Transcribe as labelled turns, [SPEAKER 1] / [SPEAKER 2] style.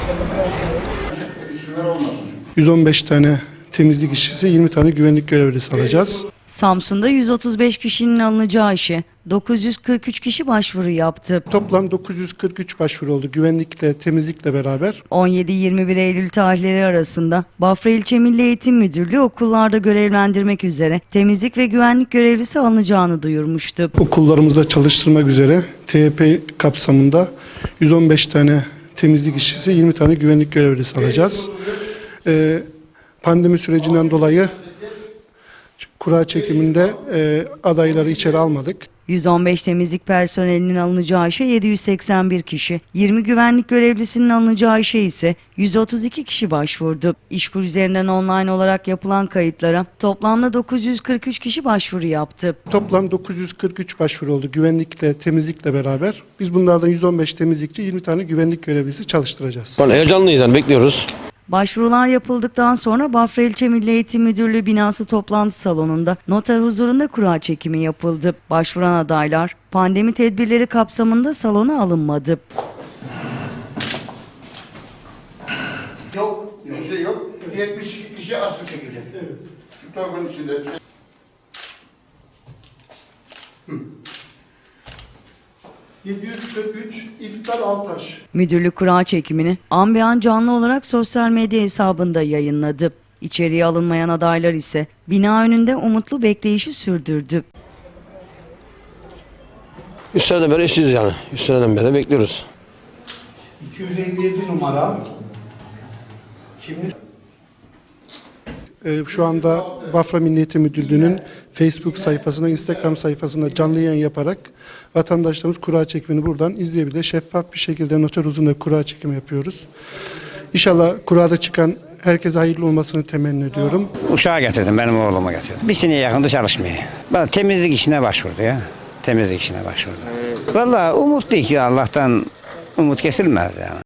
[SPEAKER 1] 115 tane temizlik işçisi, 20 tane güvenlik görevlisi alacağız.
[SPEAKER 2] Samsun'da 135 kişinin alınacağı işe 943 kişi başvuru yaptı.
[SPEAKER 1] Toplam 943 başvuru oldu güvenlikle, temizlikle beraber.
[SPEAKER 2] 17-21 Eylül tarihleri arasında Bafra İlçe Milli Eğitim Müdürlüğü okullarda görevlendirmek üzere temizlik ve güvenlik görevlisi alınacağını duyurmuştu.
[SPEAKER 1] Okullarımızda çalıştırmak üzere TYP kapsamında 115 tane temizlik işçisi, 20 tane güvenlik görevlisi alacağız. Pandemi sürecinden dolayı kura çekiminde adayları içeri almadık.
[SPEAKER 2] 115 temizlik personelinin alınacağı işe 781 kişi, 20 güvenlik görevlisinin alınacağı işe ise 132 kişi başvurdu. İşkur üzerinden online olarak yapılan kayıtlara toplamda 943 kişi başvuru yaptı.
[SPEAKER 1] Toplam 943 başvuru oldu güvenlikle, temizlikle beraber. Biz bunlardan 115 temizlikçi, 20 tane güvenlik görevlisi çalıştıracağız.
[SPEAKER 3] Heyecanlıyız, yani bekliyoruz.
[SPEAKER 2] Başvurular yapıldıktan sonra Bafra İlçe Milli Eğitim Müdürlüğü binası toplantı salonunda noter huzurunda kura çekimi yapıldı. Başvuran adaylar pandemi tedbirleri kapsamında salona alınmadı.
[SPEAKER 4] Yok, bir şey yok. 72 kişi asıl çekilecek. Evet. Şu torbanın içinde.
[SPEAKER 1] 743 İftar Altaş.
[SPEAKER 2] Müdürlük kura çekimini an be an canlı olarak sosyal medya hesabında yayınladı. İçeriye alınmayan adaylar ise bina önünde umutlu bekleyişi sürdürdü.
[SPEAKER 3] 100 seneden beri işçiyiz yani. 100 seneden beri bekliyoruz.
[SPEAKER 4] 257 numara. Kimlik?
[SPEAKER 1] Şu anda Bafra Milli Eğitim Müdürlüğü'nün Facebook sayfasına, Instagram sayfasına canlı yayın yaparak vatandaşlarımız kura çekimini buradan izleyebilir. Şeffaf bir şekilde noter huzurunda kura çekimi yapıyoruz. İnşallah kurada çıkan herkese hayırlı olmasını temenni ediyorum.
[SPEAKER 5] Uşağı getirdim, benim oğluma getirdim. Bir seneye yakında çalışmaya. Ben temizlik işine başvurdu ya. Temizlik işine başvurdu. Vallahi umutluyuz ki Allah'tan umut kesilmez yani.